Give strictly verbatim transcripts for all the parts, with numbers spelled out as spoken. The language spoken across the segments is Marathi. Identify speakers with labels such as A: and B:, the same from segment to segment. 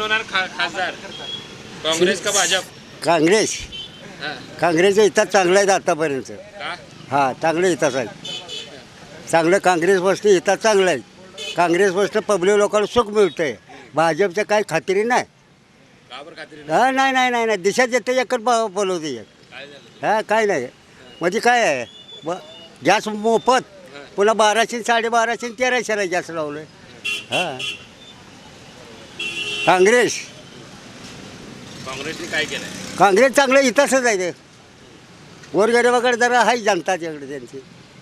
A: कोण होणार खा खासदार काँग्रेस का भाजप?
B: काँग्रेस
A: हां.
B: काँग्रेसचं इथं चांगलं आहे आतापर्यंत.
A: का?
B: हां चांगलं इथंच आहे. चांगलं काँग्रेस बसते इथं चांगलं आहे. काँग्रेस बसतं पब्लिक लोकांना सुख मिळतं आहे. भाजपचं काही खात्री नाही.
A: का बरं खात्री नाही?
B: हां नाही नाही नाही नाही दिशा देते एकच ब बोलवते एक.
A: काय झालं?
B: हां काय नाही म्हणजे काय आहे ब गॅस मोफत पुन्हा बाराशे साडेबाराशे तेराशेला गॅस लावलं आहे. हां काँग्रेस
A: काँग्रेसने काय केलंय?
B: काँग्रेस चांगलं इथंच आहे ते. गोरगरिबाकडे जरा आहे जनता तिकडे त्यांची.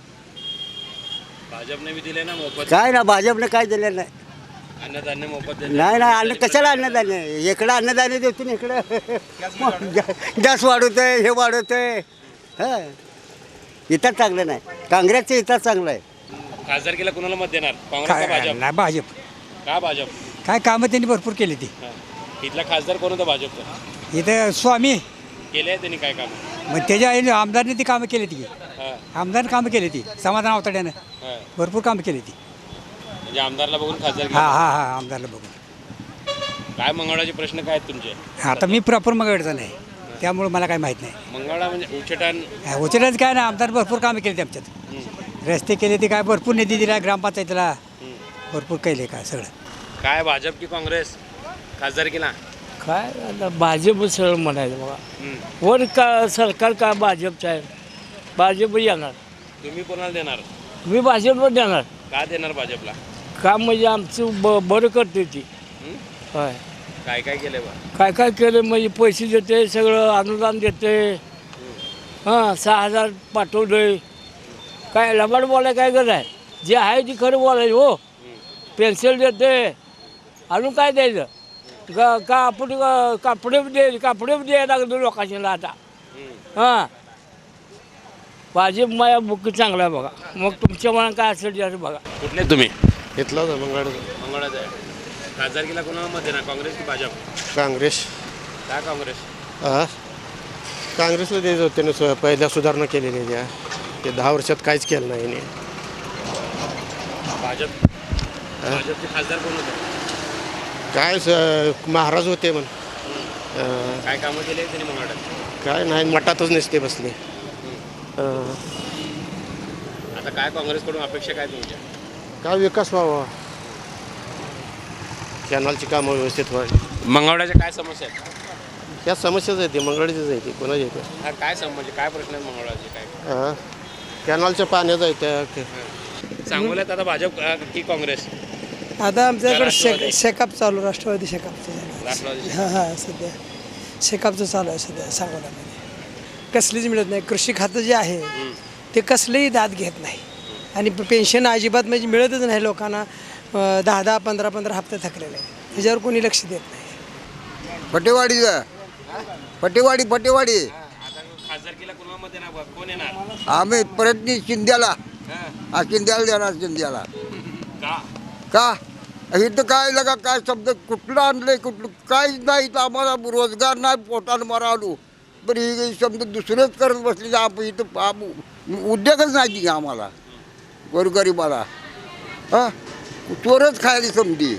A: भाजपने बी दिले ना मोफत
B: काय ना भाजपने काय दिलेलं नाही.
A: अन्नधान्य मोफत दिले.
B: नाही नाही अन्न कशाला अन्नधान्य इकडं अन्नधान्य देतो ना इकडं गॅस वाढवतोय हे वाढवतोय. हां इथं चांगलं नाही. काँग्रेसचं इथं चांगलं आहे.
A: खासदारकीला कुणाला मत देणार? काँग्रेस का
C: काय
A: भाजप?
C: नाही भाजप
A: का भाजप?
C: काय कामं त्यांनी भरपूर केली ती.
A: हां. इथला खासदार कोण होता भाजपचा?
C: इथं स्वामी
A: केले त्यांनी काय काम?
C: मग त्याच्या आईने आमदारने ती कामं केली ती.
A: हां.
C: आमदारने कामं केली ती समाधान अवताड्यानं
A: हां.
C: भरपूर कामं केली ती.
A: म्हणजे आमदारला बघून खासदार
C: हा
A: केलं.
C: हा हा आमदारला बघून.
A: काय मंगळवारचे प्रश्न काय आहेत तुमचे?
C: आता मी प्रॉपर मगडचा नाही त्यामुळे मला काय माहीत नाही.
A: मंगळवार म्हणजे उचटान.
C: उचलाच काय ना आमदार भरपूर कामं केली आमच्यात.
A: हं.
C: रस्ते केले ते काय भरपूर निधी दिला ग्रामपंचायतीला
A: हं.
C: भरपूर केले काय सगळं.
A: काय भाजप की काँग्रेस खासदारकीला?
D: काय आता भाजप सरळ म्हणायचं बघा.
A: हं.
D: वर का सरकार का भाजपचं आहे भाजप येणार.
A: तुम्ही कोणाला देणार?
D: मी भाजपवर देणार.
A: का देणार भाजपला?
D: का म्हणजे आमचं ब बरं करते ती.
A: हं?
D: होय
A: काय काय केलंय बा?
D: काय काय केलं म्हणजे पैसे देते सगळं अनुदान देते. हां सहा हजार पाठवलं काय लबाड बोलाय काय गरज आहे. जे आहे ती खरं बोलायचं हो. पेन्सिल देते अजून काय द्यायचं का कापड कापडे दे कापडे द्यायला लागले लोकांना आता. हां भाजप माझ्या बुक चांगला आहे बघा. मग तुमच्या मनात काय असेल ते असं बघा.
A: कुठले तुम्ही?
E: घेतला होता मंगळ
A: मंगळवार आहे. खासदारकीला कोणाला मत देणार? काँग्रेस की भाजप?
E: काँग्रेस.
A: काय काँग्रेस?
E: हा काँग्रेसला द्यायचं होते ना सु पहिल्या सुधारणा केलेल्या त्या ते दहा वर्षात काहीच केलं नाही याने.
A: भाजप भाजपचे खासदार कोण होते?
E: काय स महाराज होते म्हण अं,
A: काय कामं केले त्यांनी मंगळवार?
E: काय नाही मठातच नसते बसले. अं,
A: आता काय काँग्रेसकडून अपेक्षा काय तुमच्या?
E: काय विकास व्हावा कॅनलची कामं व्यवस्थित व्हावी.
A: मंगळवारच्या काय समस्या आहेत?
E: ह्या समस्याच आहेत ते मंगळाचीच आहे ती कोणाची येते.
A: हा काय सम म्हणजे काय प्रश्न आहेत मंगळवारचे काय?
E: हां कॅनलच्या पाण्याचा आहे त्या
A: सांगोल्यात आता भाजप अ, की काँग्रेस?
F: आता आमच्याकडे
A: राष्ट्रवादी.
F: शेक शेकाप चालू राष्ट्रवादी शेकापचं चालू
A: राष्ट्रवादी.
F: हां हां सध्या शेकापचं चालू आहे सध्या सांगोल्यामध्ये. कसलीच मिळत नाही. कृषी खातं जे आहे ते कसलेही दाद घेत नाही आणि पेन्शन अजिबात म्हणजे मिळतच नाही लोकांना. अं, दहा दहा पंधरा पंधरा हप्ते थकलेले आहेत. त्याच्यावर कोणी लक्ष देत नाही.
B: फटेवाडीचा फटेवाडी फटेवाडी
A: आता खासदारकीला कोणाला मत देणार बा? कोण येणार?
B: आम्ही परत शिंद्याला
A: हां.
B: हा शिंद्याला देणार शिंद्याला.
A: का?
B: का इथं काय लगा काय शब्द कुठलं आणलंय कुठलं काहीच नाही. इथं आम्हाला रोजगार नाही पोटाला मरा आलो बरं ही शब्द दुसरेच करत बसले आपण इथं आम- उद्योगच नाही आम्हाला गोरगरिबाला. हां चोरच खायला समजी.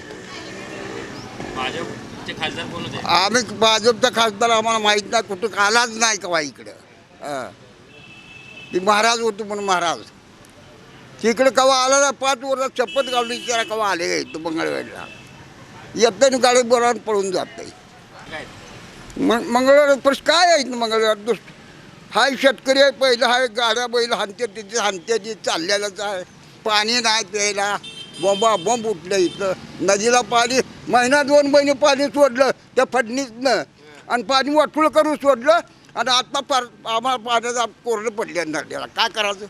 A: भाजपचे खासदार कोण होते?
B: आम्ही भाजपचा खासदार आम्हाला माहीत नाही कुठं आलाच नाही कवा इकडं. हां ती महाराज होतो म्हणून महाराज तिकडे कवा आला ना पाच वर्षात शपथ घालून विचारा कवा आले का इथं मंगळवेळला येतं गाडी बोलावून पळून जात
A: काय?
B: मग मंगळवार प्रश्न काय आहे मंगळवार दुस हाय शेतकरी आहे पहिलं हाय गाड्या बैल हानते तिथे हानते ती चाललेलंच आहे. पाणी नाही प्यायला बोंबा बोंब उठलं इथं. नदीला पाणी महिना दोन महिने पाणी सोडलं त्या फडणीसनं आणि पाणी वाटूळ करून सोडलं आणि आता पार आम्हाला पाण्याचा कोरडं पडले नदीला काय करायचं.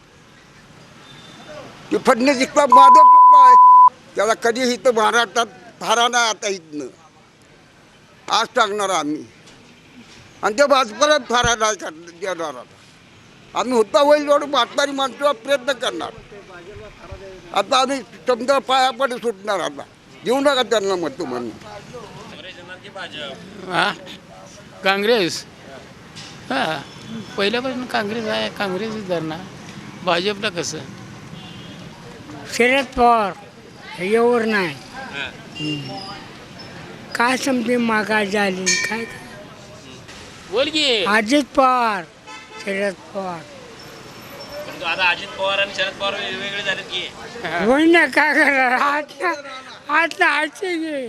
B: ते फडणीस इतका माधव आहे त्याला कधी इथं महाराष्ट्रात थारा नाही आता इथनं आज टाकणार आम्ही आणि त्या भाजपाला थारा नाही करणार देणार. आता आम्ही होता होईल एवढं म्हातारी माणसाला प्रयत्न करणार. आता आम्ही समजा पायापडे सुटणार. आता देऊ नका त्यांना मत म्हणून.
A: काँग्रेस येणार की भाजप?
G: हा काँग्रेस हां पहिल्यापासून काँग्रेस आहे काँग्रेसच धरणार. भाजपला कसं
H: शरद पवार यावर नाही
A: हां.
D: काय समजे मागा झाली काय
A: बोल की
D: अजित पवार शरद पवार
A: परंतु आता अजित पवार आणि शरद पवार वेगवेगळे झालेत की
D: होई ना काय करणार आता आता आजचे गे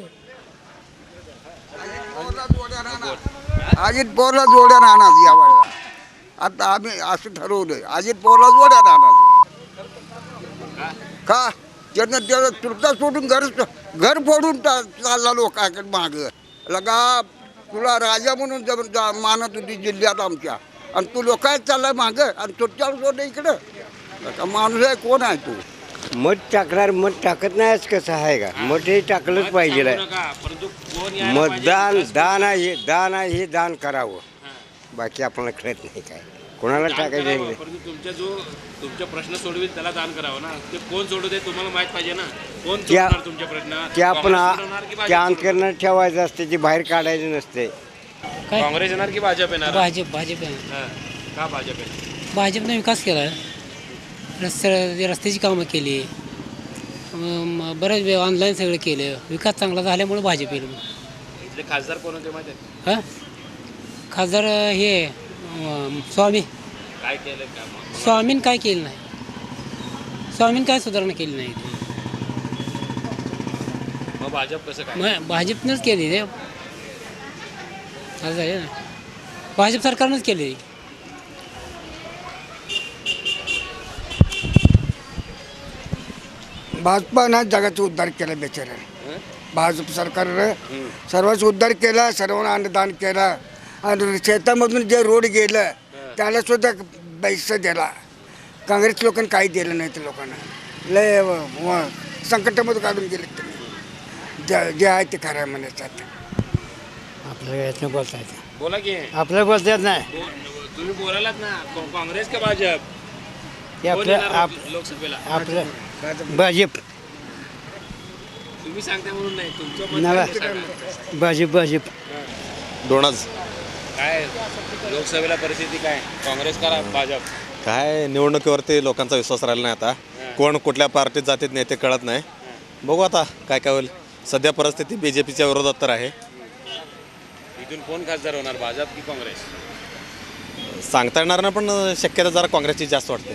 B: अजित पवारला जोड्या राहणार या वेळेला. आता आम्ही असं ठरवलंय अजित पवारला जोड्या राहणार. का त्यानं त्याला तुरता सोडून घर घर फोडून टा- चालला लोकांकडे माग लगा तुला राजा म्हणून जब- जा- मानत होती जिल्ह्यात आमच्या आणि तू लोकांत चाललाय माग आणि तुझ्यावर सोडलं इकडं लगा माणूस आहे कोण आहे तू.
H: मत टाकणार मत टाकत नाहीच कसं आहे का मत हे टाकलंच पाहिजे
A: सांगू नका, परंतु कोण यायला पाहिजे?
H: मतदान दान आहे दान आहे हे दान करावं बाकी आपल्याला कळत नाही काय कोणाला
A: दान
H: टाकायचं
A: करावं,
H: आहे.
A: परंतु तुमच्या जो तुमचे प्रश्न सोडवेल त्याला दान करावं ना. ते कोण सोडवते तुम्हाला माहित पाहिजे ना. कोण
H: त्या-
A: सोडवणार तुमचे प्रश्न?
H: ते आपण
A: काँग्रेस सोडवणार की भाजप
H: त्या
A: सोडवणार?
H: अंतकरणात ठेवायचं असते ते बाहेर काढायचं नसते.
A: काँग्रेस येणार की भाजप येणार?
I: भाजप भाजप आहे
A: हा. का भाजप आहे?
I: भाजपने विकास केला आहे रस्ते रस्त्याची कामं केली अम, बरेच वे ऑनलाईन सगळं केलं विकास चांगला झाल्यामुळे भाजप येईल
A: इथले खासदार कोण होते माहिती आहे?
I: हां खासदार हे अम, स्वामी
A: काय केलं का?
I: स्वामीन काय केलं नाही स्वामीन काय सुधारणा केली नाही
A: मग भाजप कसं काय?
I: मग भाजपनंच केली रे असं आहे ना भाजप सरकारनंच केली
B: भाजपानं जगाचा उद्धार केला बेचाऱ्याने. भाजप सरकारनं सर्वांचा उद्धार केला सर्वांना अन्नदान केलं आणि शेतामधून जे रोड गेलं त्याला सुद्धा पैसा दिला. काँग्रेस लोकांनी काही दिलं नाही त्या लोकांना लय व- व- संकटामध्ये काढून गेले त्यांनी जे जे आहे ते खरं आहे म्हणायचं आता.
C: आपल्याला यातनं बोलता येतं
A: बोला की
C: आपल्याला बोलता येत नाही
A: बो- तुम्ही बोलायलात ना को- काँग्रेस का भाजप?
C: ते
A: कोण
C: आपलं
A: येणार
C: आप
A: लोकसभेला?
C: आपलं भाजप
A: तुम्ही सांगता म्हणून नाही तुमचं मत
C: नवा.
A: काय ते सांगा.
C: भाजप भाजप
J: दोनच
A: काय लोकसभेला परिस्थिती काय काँग्रेस करा भाजप?
J: काय निवडणुकीवरती लोकांचा विश्वास राहिला नाही आता कोण कुठल्या पार्टीत जातीत नाही ते कळत नाही. बघू आता काय काय होईल. सध्या परिस्थिती बी जे पीच्या विरोधात तर आहे.
A: इथून कोण खासदार होणार भाजप की काँग्रेस?
J: सांगता येणार नाही पण शक्यता जरा काँग्रेसची जास्त वाटते.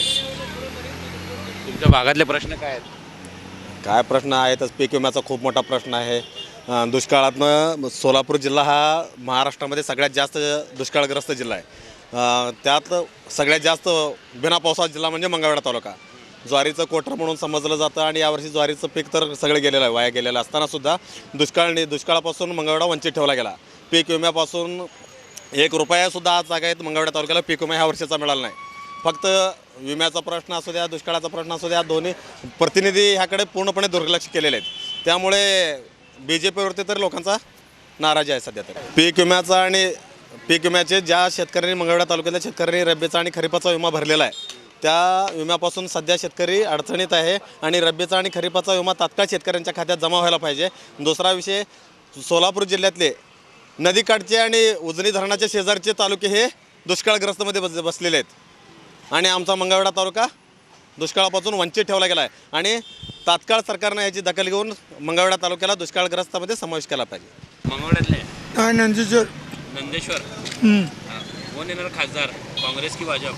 A: तुमच्या भागातले प्रश्न काय आहेत?
J: काय प्रश्न आहेतच. पीक विम्याचा खूप मोठा प्रश्न आहे. अं, दुष्काळातनं सोलापूर जिल्हा हा महाराष्ट्रामध्ये सगळ्यात जास्त दुष्काळग्रस्त जिल्हा आहे. अं, त्यात सगळ्यात जास्त बिना पावसाचा जिल्हा म्हणजे मंगळवेढा तालुका. ज्वारीचं कोटर म्हणून समजलं जातं आणि यावर्षी ज्वारीचं पीक तर सगळं गेलेलं आहे वाया गेलेलं असतानासुद्धा दुष्काळने दुष्काळापासून मंगळवेढा वंचित ठेवला गेला. पीक विम्यापासून एक रुपयासुद्धा आज जागायत मंगळवेढा तालुक्याला पीक विमा ह्या वर्षाचा मिळाला नाही. फक्त विम्याचा प्रश्न असू द्या दुष्काळाचा प्रश्न असू द्या दोन्ही प्रतिनिधी ह्याकडे पूर्णपणे दुर्लक्ष केलेले आहेत. त्यामुळे बी जे पीवरती तर लोकांचा नाराजी आहे सध्या तर. पीक विम्याचा आणि पीक विम्याचे ज्या शेतकऱ्यांनी मंगळवेढा तालुक्यातल्या शेतकऱ्यांनी रब्बीचा आणि खरीपाचा विमा भरलेला आहे त्या विम्यापासून सध्या शेतकरी अडचणीत आहे आणि रब्बीचा आणि खरीपाचा विमा तात्काळ शेतकऱ्यांच्या खात्यात जमा व्हायला पाहिजे. दुसरा विषय सोलापूर जिल्ह्यातले नदीकाठचे आणि उजनी धरणाच्या शेजारचे तालुके हे दुष्काळग्रस्तमध्ये बस बसलेले आहेत आणि आमचा मंगळवेढा तालुका दुष्काळापासून वंचित ठेवला गेला आहे आणि तात्काळ सरकारनं याची दखल घेऊन मंगळवेढा तालुक्याला दुष्काळग्रस्तामध्ये समावेश केला पाहिजे.
A: मंगळवेढ्यातले
F: नंदीश्वर
A: नंदेश्वर हा. कोण येणार खासदार काँग्रेस की भाजप?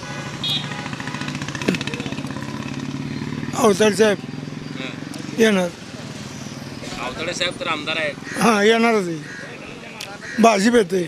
F: अवतार साहेब
A: हा.
F: येणार
A: आवताडे साहेब तर आमदार आहेत.
F: हां येणारच भाजप येते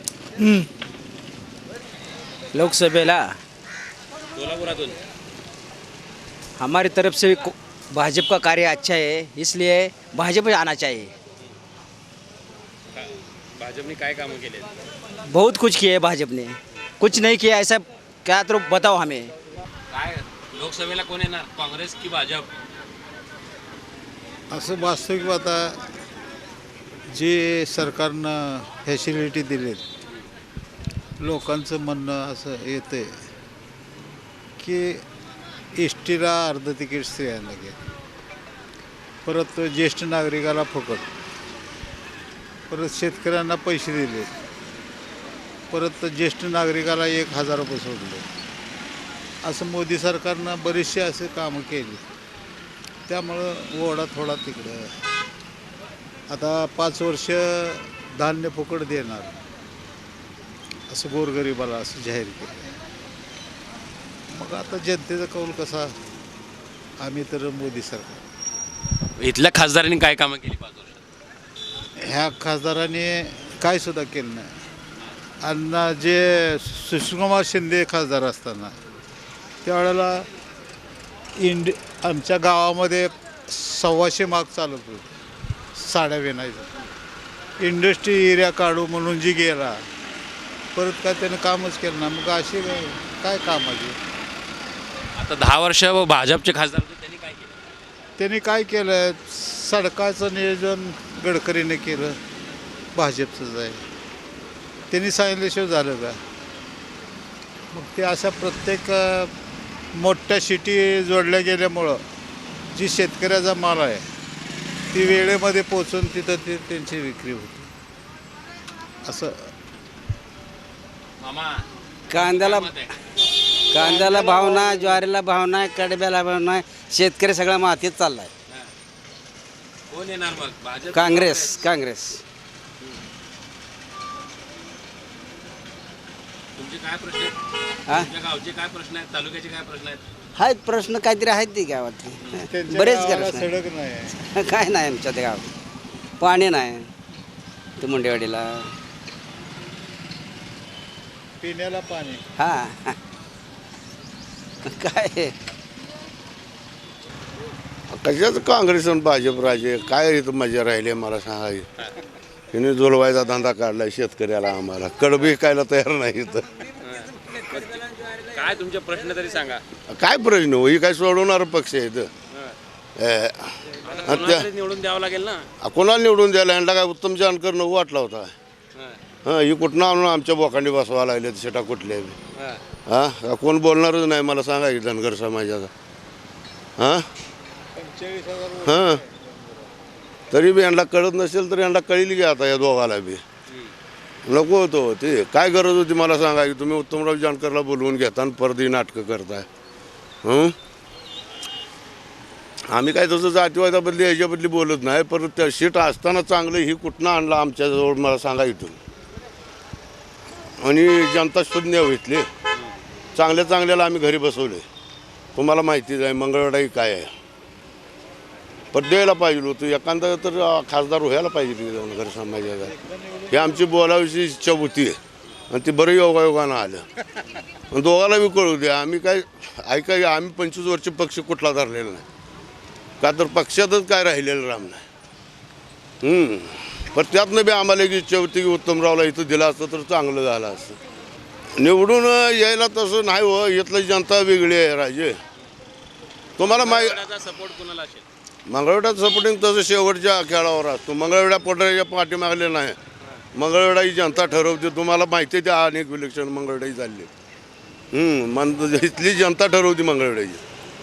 C: लोकसभेला
A: सोलापुरातून
C: हमारी तरफ से को- भाजपा का कार्य अच्छा है इसलिए भाजपा आना चाहिए.
A: का- भाजपने काय कामं केले?
C: बहुत कुछ किया है भाजपा ने कुछ नहीं किया ऐसा क्या तो बताओ हमें.
A: काय लोकसभेला कोण येणार काँग्रेस की भाजप?
K: असं वास्तविक आता जे सरकारनं फॅसिलिटी दिलेत लोकांचं म्हणणं असं येतं की एस टीला अर्ध तिकीट स्त्रियांना घ्या परत ज्येष्ठ नागरिकाला फुकट परत शेतकऱ्यांना पैसे दिले परत ज्येष्ठ नागरिकाला एक हजार रुपये सोडले असं मोदी सरकारनं बरेचसे असे कामं केली त्यामुळं ओढा थोडा तिकडं आता पाच वर्ष धान्य फुकट देणार असं गोरगरिबाला असं जाहीर केलं. मग आता जनतेचा कौल कसा, आम्ही तर मोदी सरकार.
A: इथल्या खासदारांनी काय कामं केली पाच वर्षात?
K: ह्या खासदाराने काय सुद्धा केलं नाही. आणि जे सुशीलकुमार शिंदे खासदार असताना त्यावेळेला इंड आमच्या गावामध्ये सव्वाशे माग चालत होते साड्या विणायचं. इंडस्ट्री एरिया काढू म्हणून जी गेला, परत काय त्यानं कामच केलं ना. मग अशी काय कामाची.
A: आता दहा वर्ष भाजपचे खासदार होते, त्यांनी काय केलं?
K: त्यांनी काय केलं, सडकाचं नियोजन गडकरीने केलं, भाजपचंच आहे. त्यांनी सांगितल्याशिवाय झालं का. मग ते अशा प्रत्येक मोठ्या सिटी जोडल्या गेल्यामुळं जी शेतकऱ्याचा माल आहे ती वेळेमध्ये पोचून तिथं ती त्यांची विक्री होती. असं
A: मामा
C: कांद्याला
A: मत आहे.
C: कांद्याला भाव नाही, ज्वारीला भाव नाही, कडब्याला भाव नाही, शेतकरी सगळा मातीत चाललाय.
A: कोण येणार मग? भाजप?
C: काँग्रेस काँग्रेस
A: तुमचे काय प्रश्न आहेत?
C: हा?
A: तुमच्या गावचे काय प्रश्न आहेत? तालुक्याचे काय प्रश्न आहेत?
C: आहेत प्रश्न काहीतरी आहेत ती गावातली.
K: त्यांच्या
C: बरेच
K: गावाला
C: प्रश्न आहेत.
K: सडक नाही,
C: काय नाही आमच्या त्या गावात. पाणी नाही ते मुंडेवाडीला.
K: पिण्याला पाणी.
C: हा काय
L: कशाचं काँग्रेस आणि भाजप राजे काय इथं मजा राहिली मला सांगाय. तिने जोलवायचा धंदा काढलाय शेतकऱ्याला. आम्हाला कडबी विकायला तयार नाही इथं.
A: काय तुमचे प्रश्न तरी सांगा.
L: काय प्रश्न हो, ही काय सोडवणार पक्ष आहे इथं.
A: आता कोणाला तरी निवडून द्यावं लागेल ना.
L: कोणाला निवडून द्यायला यांना काय उत्तम जानकर नको वाटला होता. हां ही कुठनं आणून आमच्या बोकांडी बसवा लागले शेटा कुठल्या हां कोण बोलणारच नाही मला सांगा की धनगर समाजाचा. हां हां तरी बी यांना कळत नसेल तर यांना कळील की आता या दोघाला बी नको होतो ते. काय गरज होती मला सांगा की तुम्ही उत्तमराव जानकरला बोलवून घेता आणि परदी नाटकं करताय. हं आम्ही काय तसं जातीवादाबद्दली ह्याच्याबद्दली बोलत नाही, परत त्या सीट असताना चांगलं ही कुठनं आणलं आमच्याजवळ मला सांगा इथून. आणि जनता शून्य घेतली, चांगल्या चांगल्याला आम्ही घरी बसवले. तुम्हाला माहितीच आहे मंगळवाडी काय आहे. पण द्यायला पाहिजे होतं एखादा तर खासदार व्हायला पाहिजे धनगर समाजाचा. ही आमची बोलावीची इच्छा होती आणि ती बरं योगायोगानं आलं. आणि दोघाला बी कळू द्या. आम्ही काय ऐका आम्ही पंचवीस वर्ष पक्ष कुठला धरलेला नाही, का तर पक्षातच काय राहिलेलं राम नाही. पण त्यातनं बी आम्हाला एक इच्छा होती की उत्तमरावला इथं दिलं असतं तर चांगलं झालं असतं. निवडून यायला तसं नाही हो, इथलं जनता वेगळी आहे राजे. तुम्हाला माहिती
A: सपोर्ट कोणाला असेल?
L: मंगळवेढ्यात सपोर्टिंग तसं शेवटच्या खेळावर असतो. मंगळवेढ्या पोटऱ्याच्या पाठीमागले नाही. मंगळवेढा ही जनता ठरवते. तुम्हाला माहिती आहे त्या अनेक इलेक्शन मंगळवेढाही चालले. मन इथली जनता ठरवते मंगळवेढ्याची.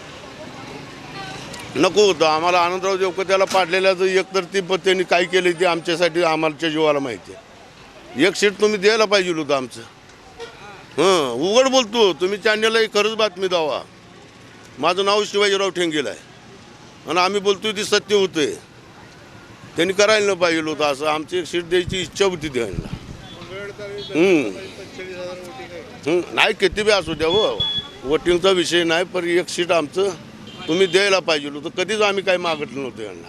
L: नको होतं आम्हाला आनंदराव देवकर त्याला पाडलेल्याचं एक तर ती त्यांनी काय केली ती आमच्यासाठी आम्हाच्या जीवाला माहिती आहे. एक सीट तुम्ही द्यायला पाहिजे होतं आमचं. हां उघड बोलतो तुम्ही चॅनलला खरंच बातमी द्यावा. माझं नाव शिवाजीराव ठेंगेल आहे आणि आम्ही बोलतोय ती सत्य होते. त्यांनी करायला न पाहिजे होतं असं. आमची एक सीट द्यायची इच्छा होती द्यायला. नाही किती बी असू द्या हो, वोटिंगचा विषय नाही, पण एक सीट आमचं तुम्ही द्यायला पाहिजे होतं. कधीच आम्ही काही मागितलं नव्हतं यांना.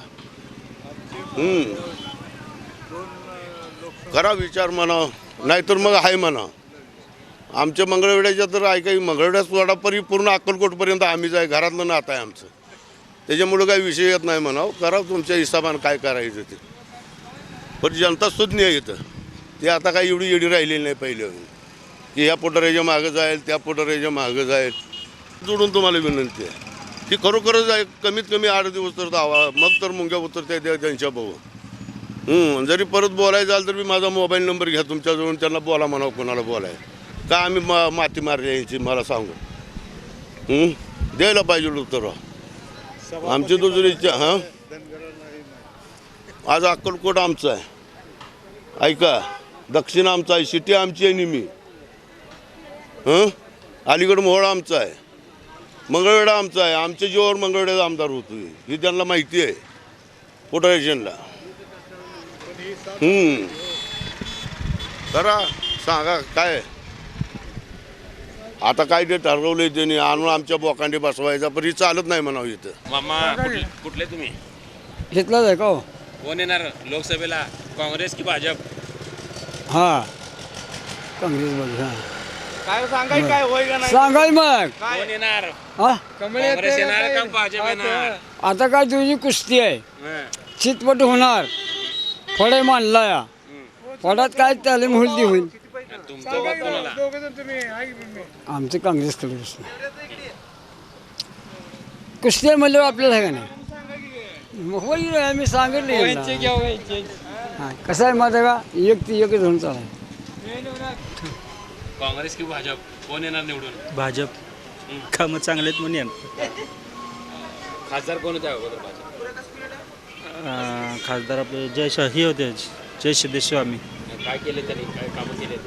L: करा विचार म्हणा, नाहीतर मग आहे म्हणा. आमच्या मंगळवेढ्याच्या तर ऐका मंगळवेढ्या सोडापरी पूर्ण अक्कलकोटपर्यंत आम्हीच आहे. घरातलं नातं आहे आमचं. त्याच्यामुळं काही विषय येत नाही म्हणावं. करा तुमच्या हिशोबानं काय करायचं ते. पण जनता सुज्ञ आहे इथं. ते आता काही एवढी एवढी राहिलेली नाही पहिले की ह्या पोटऱ्याच्या मागं जाईल त्या पोटऱ्याच्या मागं जाईल. जोडून तुम्हाला विनंती आहे की खरोखरच आहे कमीत कमी आठ दिवस तर दावा, मग तर मुंग्या उतरते त्या त्यांच्या भाऊ. जरी परत बोलायचं झालं तर मी माझा मोबाईल नंबर घ्या तुमच्याजवळून, त्यांना बोला म्हणावं कोणाला बोलाय का आम्ही मा माती मारली यांची मला सांगू. द्यायला पाहिजे उत्तर आमची दुसरी इच्छा. हां आज अक्कलकोट आमचं आहे ऐका, दक्षिण आमचं आहे, सिटी आमची आहे निमी. हं अलीगड मोहोळ आमचा आहे, मंगळवेढा आमचा आहे. आमच्या जीवावर मंगळवेढ्याचा आमदार होतो ही त्यांना माहिती आहे पोटरेशनला. हम्म. करा सांगा काय आता काय ते ठरवलंय त्यांनी आणून आमच्या बोकांडी बसवायचा पण ही चालत नाही म्हणावं इथं.
A: मामा कुठले कुठले तुम्ही
D: घेतलाच आहे का हो
A: कोण येणार लोकसभेला काँग्रेस की भाजप?
D: हां काँग्रेस बघ हां
A: काय सांगाय काय होय का
D: सांगाल मग
A: कोण येणार?
D: हा
A: काँग्रेस येणार का भाजप येणार?
D: आता काय तुझी कुस्ती आहे
A: हं.
D: चितपट होणार फळे मानला या फळात काय तालीम होईल ती होईल
A: तुमचं मत कोणाला?
D: आमचं काँग्रेसकडे कुस्ती आहे म्हणल्यावर आपल्याला आहे का नाही मग होईल आम्ही सांगितले हां कसं आहे माझं का एक ते एकच होऊन चालाय
A: काँग्रेस की भाजप कोण येणार निवडून?
C: भाजप कामं चांगले आहेत म्हणून येणार.
A: खासदार कोण होते अगोदर भाजप?
C: खासदार आपले जय शाह हे होते जय सिद्धेश्वामी.
A: काय केले त्यांनी काय कामं केले?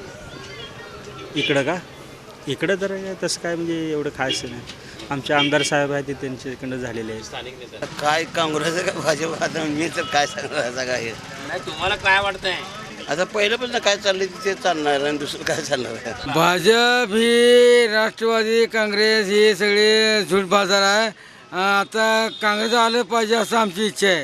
C: इकडं का इकडं तर तसं काय म्हणजे एवढं खायचं नाही. आमचे आमदार साहेब आहेत ते त्यांच्याकडं झालेले आहेत.
A: स्थानिक नेता
H: काय काँग्रेस का भाजप आता मी तर काय सांगणार काय
A: नाही तुम्हाला काय वाटतंय?
H: आता पहिल्यापासून काय चाललंय ते चालणार आणि दुसरं काय चालणार आहे.
D: भाजप ही राष्ट्रवादी काँग्रेस ही सगळे झूट बाजार आहे. आता काँग्रेस आलं पाहिजे असं आमची इच्छा आहे.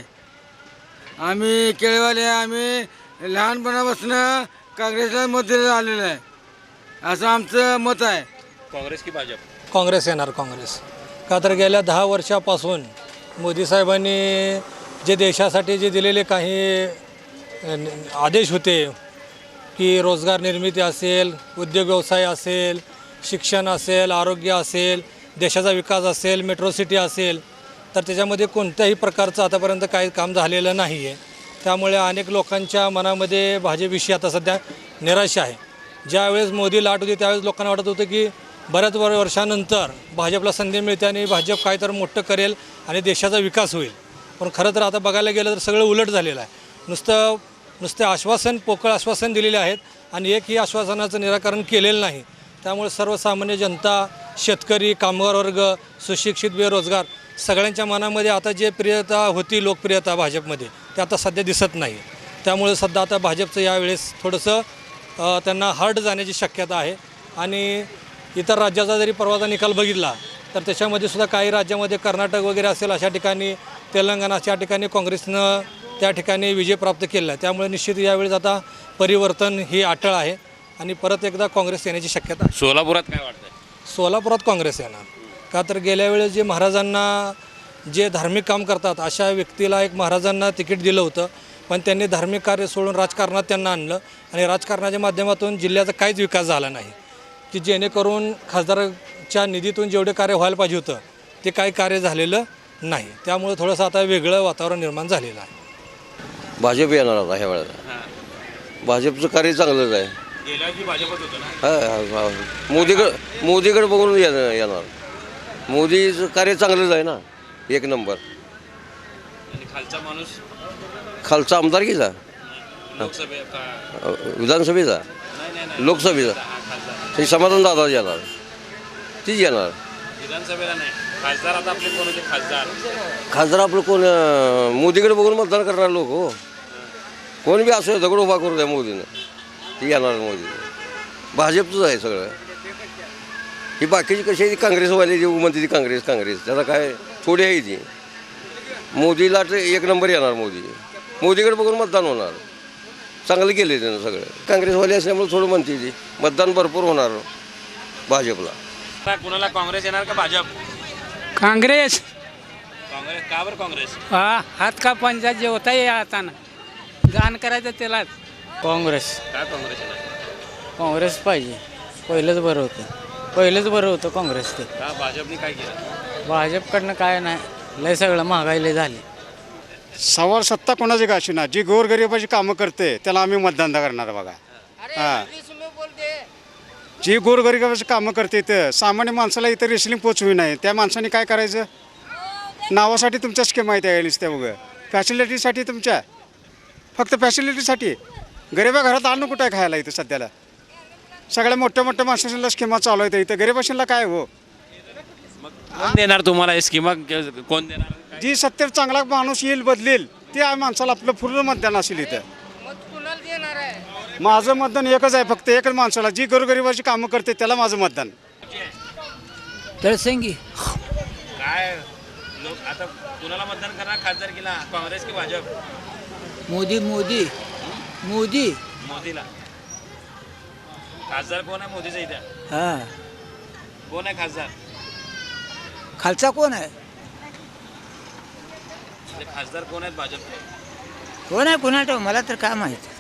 D: आम्ही केळीवाले आम्ही लहानपणापासून काँग्रेसला मत दिलं आलेलं आहे असं आमचं मत आहे.
A: काँग्रेस की भाजप?
M: काँग्रेस येणार काँग्रेस का तर गेल्या दहा वर्षापासून मोदी साहेबांनी जे देशासाठी जे दिलेले काही आदेश होते की रोजगार निर्मिती असेल उद्योग व्यवसाय असेल शिक्षण असेल आरोग्य असेल देशाचा विकास असेल मेट्रो सिटी असेल तर त्याच्यामध्ये कोणत्याही प्रकारचं आतापर्यंत काही काम झालेलं नाही आहे. त्यामुळे अनेक लोकांच्या मनामध्ये भाजपविषयी आता सध्या निराशा आहे. ज्यावेळेस मोदी लाट होती त्यावेळेस लोकांना वाटत होतं की बऱ्याच वर्षानंतर भाजपला संधी मिळते आणि भाजप काय तर मोठं करेल आणि देशाचा विकास होईल. पण खरं तर आता बघायला गेलं तर सगळं उलट झालेलं आहे. नुसतं नुसते आश्वासन पोकळ आश्वासन दिलेले आहेत आणि एकही आश्वासनाचं निराकरण केलेलं नाही. त्यामुळे सर्वसामान्य जनता शेतकरी कामगार वर्ग सुशिक्षित बेरोजगार सगळ्यांच्या मनामध्ये आता जे प्रियता होती लोकप्रियता भाजपमध्ये ते आता सध्या दिसत नाही. त्यामुळे सध्या आता भाजपचं यावेळेस थोडंसं त्यांना हार्ड जाण्याची शक्यता आहे. आणि इतर राज्याचा जरी परवाचा निकाल बघितला तर त्याच्यामध्ये सुद्धा काही राज्यामध्ये कर्नाटक वगैरे असेल अशा ठिकाणी तेलंगणा अशा ठिकाणी काँग्रेसनं त्या ठिकाणी विजय प्राप्त केला आहे. त्यामुळे निश्चित यावेळेस आता परिवर्तन ही अटळ आहे आणि परत एकदा काँग्रेस येण्याची शक्यता आहे.
A: सोलापुरात काय वाटतंय?
M: सोलापुरात काँग्रेस येणार का तर गेल्या वेळेस जे महाराजांना जे धार्मिक काम करतात अशा व्यक्तीला एक महाराजांना तिकीट दिलं होतं पण त्यांनी धार्मिक कार्य सोडून राजकारणात त्यांना आणलं आणि राजकारणाच्या माध्यमातून जिल्ह्याचा काहीच विकास झाला नाही की जेणेकरून खासदाराच्या निधीतून जेवढे कार्य व्हायला पाहिजे होतं ते काही कार्य झालेलं नाही. त्यामुळे थोडंसं आता वेगळं वातावरण निर्माण झालेलं आहे.
H: भाजप येणार आता ह्या वेळेला भाजपचं कार्य चांगलंच आहे.
A: गेल्या की भाजपच होतं ना?
H: हा मोदीकडं मोदीकडे बघून येणार येणार मोदीचं कार्य चांगलंच आहे ना एक नंबर.
A: आणि खालचा माणूस
H: खालचा आमदारकीचा
A: लोकसभे का
H: विधानसभेचा
A: नाही नाही नाही
H: लोकसभेचा
A: हा, खासदार
H: ते समाधान दादा येणार तीच येणार.
A: विधानसभेला नाही खासदार आता आपले कोण होते खासदार?
H: खासदार आपलं कोण अं, मोदीकडे बघून मतदान करणार लोक हो. कोण बी असो दगड उभा करू द्या मोदीनं ती येणार मोदी. भाजपचंच आहे सगळं. ही बाकीची कशी आहे ती काँग्रेसवाली जी म्हणते ती काँग्रेस काँग्रेस त्याला काय थोडी आहे ती. मोदीला तर एक नंबर येणार मोदी. मोदीकडे बघून मतदान होणार. चांगलं केलं त्यानं सगळं. काँग्रेसवाली असल्यामुळे थोडं म्हणते ती मतदान भरपूर होणार भाजपला.
A: कुणाला काँग्रेस येणार का भाजप?
I: काँग्रेस
A: काँग्रेस का बरं काँग्रेस?
I: हा हात का पंजा जेवता ये आता ना दान करायचं त्यालाच काँग्रेस
A: का काँग्रेस येणार?
I: काँग्रेस पाहिजे. पहिलंच बरं होतं पहिलंच बरं होतं काँग्रेस. ते
A: का भाजपने काय केलं?
I: भाजपकडनं काय नाही लय सगळं महागाई लय झाली.
N: सवाल सत्ता कोणाची का ना जी गोरगरिबाची कामं करते त्याला आम्ही मतदान करणार बघा. हां जी गोरगरिबाची कामं करते तर सामान्य माणसाला इथं रेसलिंग पोचवी नाही त्या माणसाने काय करायचं. नावासाठी तुमच्या स्कीम माहिती आहे नुसत्या बघ फॅसिलिटीसाठी तुमच्या फक्त फॅसिलिटीसाठी गरिबा घरात आणून कुठं आहे खायला इथं सध्याला. सगळ्या मोठ्या मोठ्या माणसांना स्कीमा चालू आहेत इथं गरिबाशीला काय हो.
A: कोण देणार तुम्हाला हे स्कीमा कोण देणार?
N: जी सत्तेवर चांगला माणूस येईल बदलेल ते माणसाला आपलं पूर्ण मतदान असेल इथं. माझं मतदान एकच आहे, फक्त एकच माणसाला, जी गोरगरिबाची कामं करते त्याला माझं मतदान.
D: तळसंगी
A: काय लोक आता कुणाला मतदान करणार खासदारकीला, काँग्रेस की भाजप?
D: मोदी मोदी मोदी
A: मोदीला. खासदार कोण आहे मोदीचा इथे?
D: हां
A: कोण आहे खासदार?
D: खालचा कोण आहे
A: म्हणजे खासदार कोण आहेत भाजपचे?
D: कोण आहे कोणाला मला तर काय माहिती.